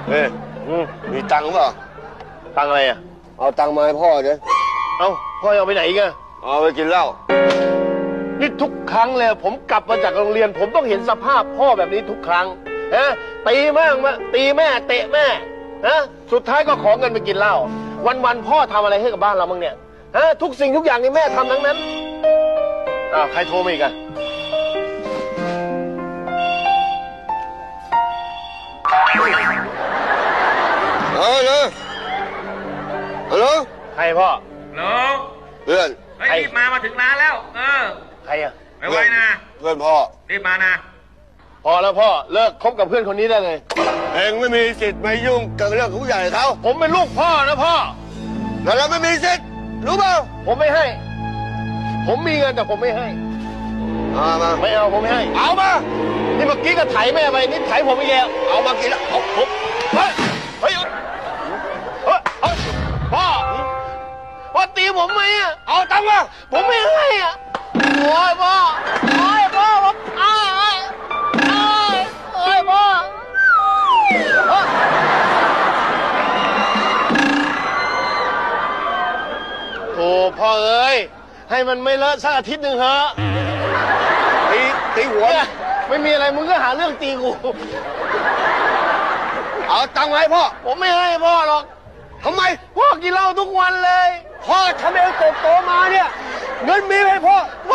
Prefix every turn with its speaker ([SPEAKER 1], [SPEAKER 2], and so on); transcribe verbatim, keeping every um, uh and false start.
[SPEAKER 1] เฮ้ยมีตังค์เปล่าตังค์อะไรอ่ะเอาตังค์มาให้พ่อเดี๋ยวเอาพ่อเอาไปไหนกันเอาไปกินเหล้านี่ทุกครั้งเลยผมกลับมาจากโรงเรียนผมต้องเห็นสภาพพ่อแบบนี้ทุกครั้งฮะตีแม่มาตีแม่เตะแม่ฮะสุดท้ายก็ขอเงินไปกินเหล้าวันๆพ่อทำอะไรให้กับบ้านเราบ้างเนี่ยฮะทุกสิ่งทุกอย่างนี่แม่ทำทั้งนั้นอ้าวใครโทรมาอีกอะเออเลยฮัลโหลใครพ่อ
[SPEAKER 2] ฮัลโหล
[SPEAKER 1] เพื่อน
[SPEAKER 2] เฮ้ยรีบมามาถึงร้านแล้วเออ
[SPEAKER 1] ใครอะ
[SPEAKER 2] ไม่ไหวนะ
[SPEAKER 1] เพื่อนพ่อ
[SPEAKER 2] รีบมานะ
[SPEAKER 1] พอแล้วพ่อเลิกคบกับเพื่อนคนนี้ได้เลยเองไม่มีสิทธิ์มายุ่งกับเรื่องของผู้ใหญ่เขาผมเป็นลูกพ่อนะพ่อแล้วเราไม่มีสิทธิ์รู้เปล่าผมไม่ให้ผมมีเงินแต่ผมไม่ให้เอามาไม่เอาผมไม่ให้เอามานี่เมื่อกี้ก็ไถแม่ไปนี่ไถผมอีกแล้วเอามากินแล้วเอาผมเฮ้ยเฮ้ยเฮ้ยพ่อพ่อตีผมไหมอ่ะเอาตังค์มาผมไม่ให้อ่ะโอ้ยพ่อโอ้ยพ่อผมอ้ายอ้ายอ้ายโอ้ยพ่อโอ้พ่อเอ้ยให้มันไม่เลอะสักอาทิตย์หนึ่งเถอะตีตีหัวไม่มีอะไรมึงก็หาเรื่องตีกูเอาตังค์มาให้พ่อผมไม่ให้พ่อหรอกทำไมพ่อกินเหล้าทุกวันเลยพ่อทำเองโตโตมาเนี่ยเงินมีให้พ่อ